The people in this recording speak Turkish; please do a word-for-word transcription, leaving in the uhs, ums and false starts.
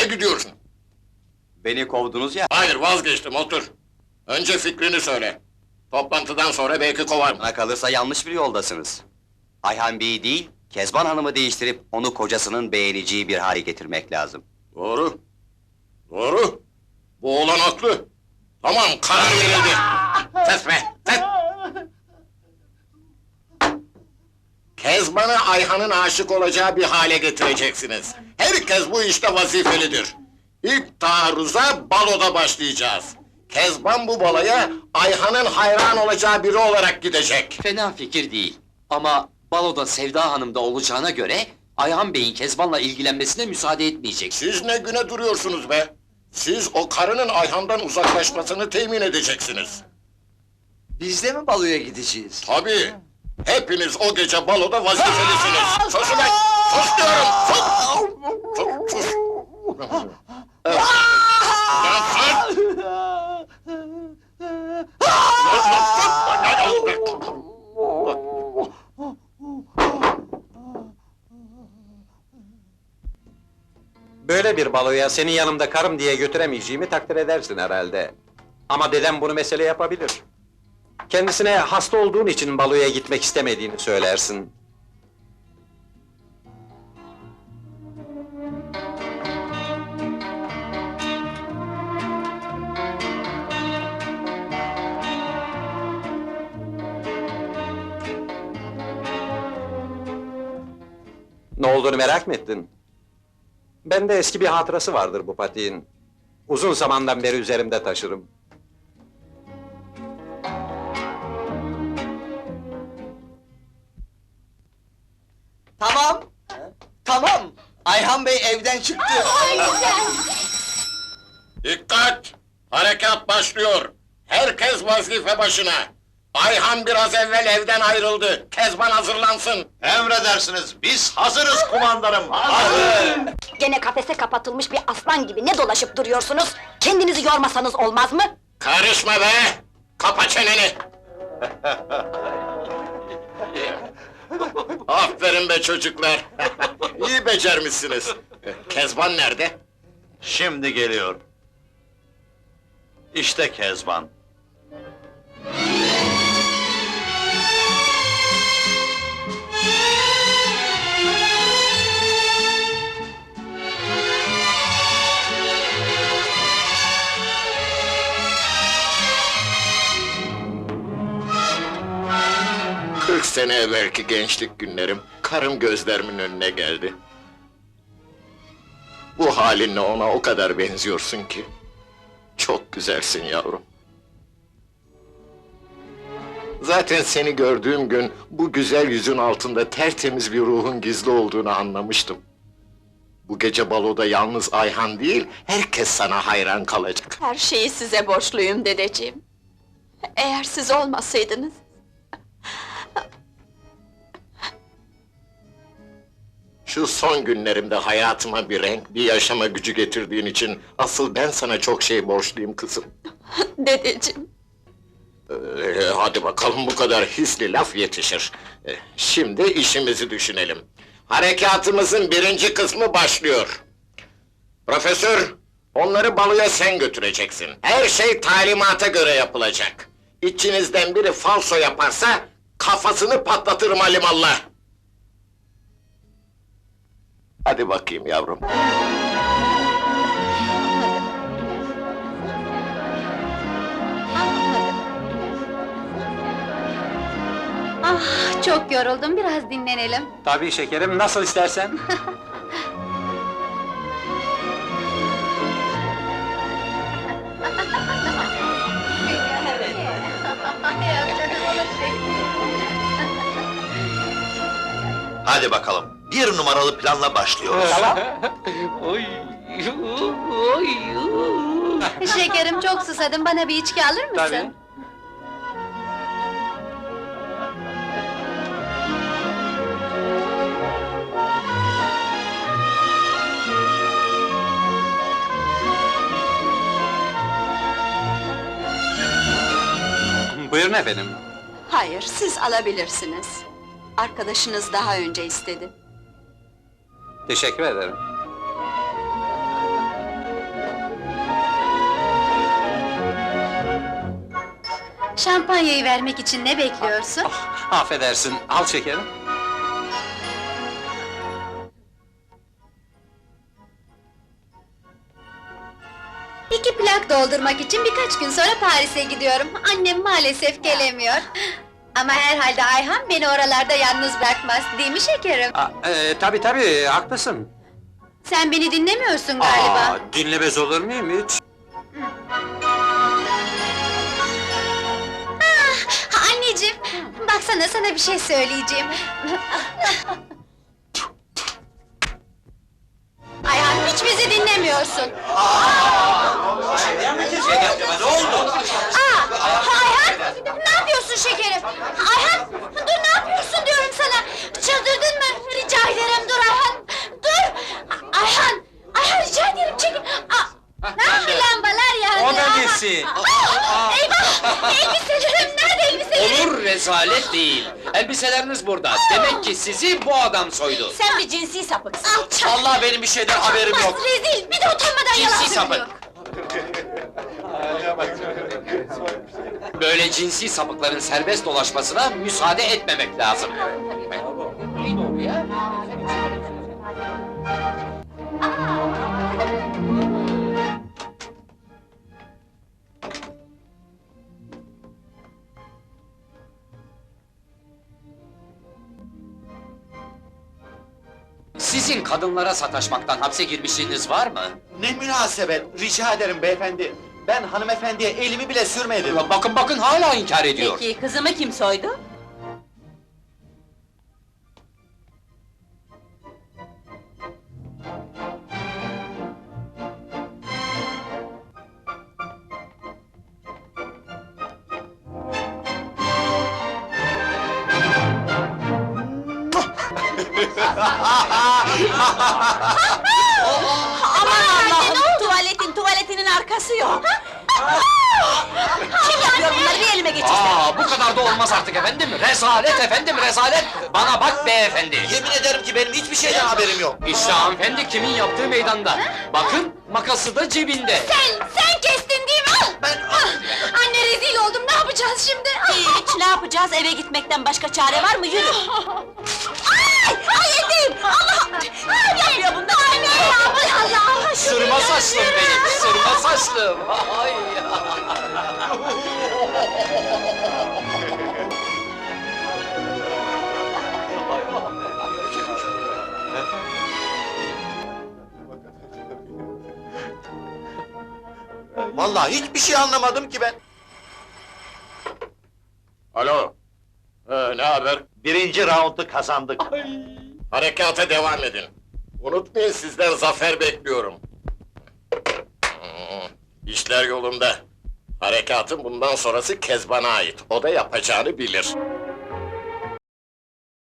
gidiyorsun? Beni kovdunuz ya. Hayır, vazgeçtim, otur. Önce fikrini söyle. Toplantıdan sonra belki kovarım. Bana kalırsa yanlış bir yoldasınız. Ayhan Bey'i değil, Kezban Hanım'ı değiştirip onu kocasının beğeneceği bir hale getirmek lazım. Doğru. Doğru. Bu oğlan haklı. Tamam, karar verildi. Ses be, ses! Kezban'ı Ayhan'ın aşık olacağı bir hale getireceksiniz. Herkes bu işte vazifelidir. İlk taarruza baloda başlayacağız. Kezban bu baloya Ayhan'ın hayran olacağı biri olarak gidecek. Fena fikir değil. Ama baloda Sevda Hanım da olacağına göre... ...Ayhan Bey'in Kezban'la ilgilenmesine müsaade etmeyeceksiniz. Siz ne güne duruyorsunuz be? Siz o karının Ayhan'dan uzaklaşmasını temin edeceksiniz. Biz de mi baloya gideceğiz? Tabii! Hepiniz o gece baloda vazifelisiniz! Sus ulan! Sus diyorum! Sus! Sus! Sus! Lan sus! Böyle bir baloya senin yanımda karım diye götüremeyeceğimi takdir edersin herhalde. Ama dedem bunu mesele yapabilir. Kendisine hasta olduğun için baloya gitmek istemediğini söylersin. Ne olduğunu merak mı ettin? Bende eski bir hatırası vardır bu patiğin. Uzun zamandan beri üzerimde taşırım. Tamam! Tamam! Ayhan Bey evden çıktı! Dikkat! Harekat başlıyor! Herkes vazife başına! Ayhan biraz evvel evden ayrıldı. Kezban hazırlansın. Emredersiniz, biz hazırız kumandanım. Gene kafese kapatılmış bir aslan gibi ne dolaşıp duruyorsunuz? Kendinizi yormasanız olmaz mı? Karışma be! Kapa çeneni! Aferin be çocuklar! İyi becermişsiniz. Kezban nerede? Şimdi geliyor. İşte Kezban. Kırk sene evvelki gençlik günlerim, karım gözlerimin önüne geldi. Bu halinle ona o kadar benziyorsun ki. Çok güzelsin yavrum. Zaten seni gördüğüm gün, bu güzel yüzün altında tertemiz bir ruhun gizli olduğunu anlamıştım. Bu gece baloda yalnız Ayhan değil, herkes sana hayran kalacak. Her şeyi size borçluyum dedeciğim. Eğer siz olmasaydınız... Şu son günlerimde hayatıma bir renk, bir yaşama gücü getirdiğin için... ...asıl ben sana çok şey borçluyum kızım. Dedeciğim, Ee, hadi bakalım, bu kadar hisli laf yetişir. Ee, şimdi işimizi düşünelim. Harekatımızın birinci kısmı başlıyor. Profesör, onları baloya sen götüreceksin. Her şey talimata göre yapılacak. İçinizden biri falso yaparsa... ...kafasını patlatırım alimallah! Hadi bakayım yavrum. Ah, çok yoruldum, biraz dinlenelim. Tabii şekerim, nasıl istersen. Hadi bakalım, bir numaralı planla başlıyoruz. Şekerim, çok susadım, bana bir içki alır mısın? Tabii. Buyurun efendim. hayır, siz alabilirsiniz. Arkadaşınız daha önce istedi. Teşekkür ederim. Şampanyayı vermek için ne bekliyorsun? Affedersin, al şekerim. İki plak doldurmak için birkaç gün sonra Paris'e gidiyorum. Annem maalesef gelemiyor. Ama herhalde Ayhan beni oralarda yalnız bırakmaz, değil mi şekerim? Aa, e, tabii tabii, haklısın. Sen beni dinlemiyorsun galiba. Aa, dinlemez olur muyum hiç? Ah, anneciğim, baksana sana bir şey söyleyeceğim. Ayhan, hiç bizi dinlemiyorsun. Ne oldu? Aa, Ayhan, ne yapıyorsun şekerim? Ayhan, dur ne yapıyorsun diyorum sana. Çıldırdın mı? Rica ederim dur Ayhan. Dur! Ayhan, Ayhan rica ederim çekil. Aa, ah, lambalar yandı. O da Aha. nesi? Aa, eyvah! Elbiselerim nerede elbiselerim? Olur, rezalet değil. Elbiseleriniz burada. Demek ki sizi bu adam soydu. Sen bir cinsi sapıksın. Alçak! Vallahi benim bir şeyden haberim Bas, yok. rezil! Bir de utanmadan yalan Cinsi sapık. söylüyor. Böyle cinsi sapıkların serbest dolaşmasına müsaade etmemek lazım. Neydi o ya? Sizin kadınlara sataşmaktan hapse girmişliğiniz var mı? Ne münasebet, rica ederim beyefendi. Ben hanımefendiye elimi bile sürmedim. Bakın bakın hala inkar ediyor. Peki, kızımı kim soydu? Aman Allah'ım! Tuvaletin, tuvaletinin arkası yok! Kim yapıyor bunları, bir elime geçirsin! Aa, bu kadar da olmaz artık efendim. Rezalet efendim, rezalet. Bana bak beyefendi. Yemin ederim ki benim hiçbir şeyden haberim yok. İşte hanımefendi kimin yaptığı meydanda. Bakın, makası da cebinde. Sen, sen kestin değil mi? Al! Ben- Ah, anne rezil oldum, ne yapacağız şimdi? Ah! Hiç, ne yapacağız? Eve gitmekten başka çare var mı? Yürü! Ay! Ay yedim! Allah! Ay yapıyor bunlar! Anne! Allah Allah! Sırma saçlım benim, sırma saçlım. Ay. Vallahi hiçbir şey anlamadım ki ben. Alo. Ee, ne haber? Birinci raundu kazandık. Harekata devam edin. Unutmayın sizden zafer bekliyorum. Hmm, İşler yolunda. Harekatın bundan sonrası Kezban'a ait. O da yapacağını bilir.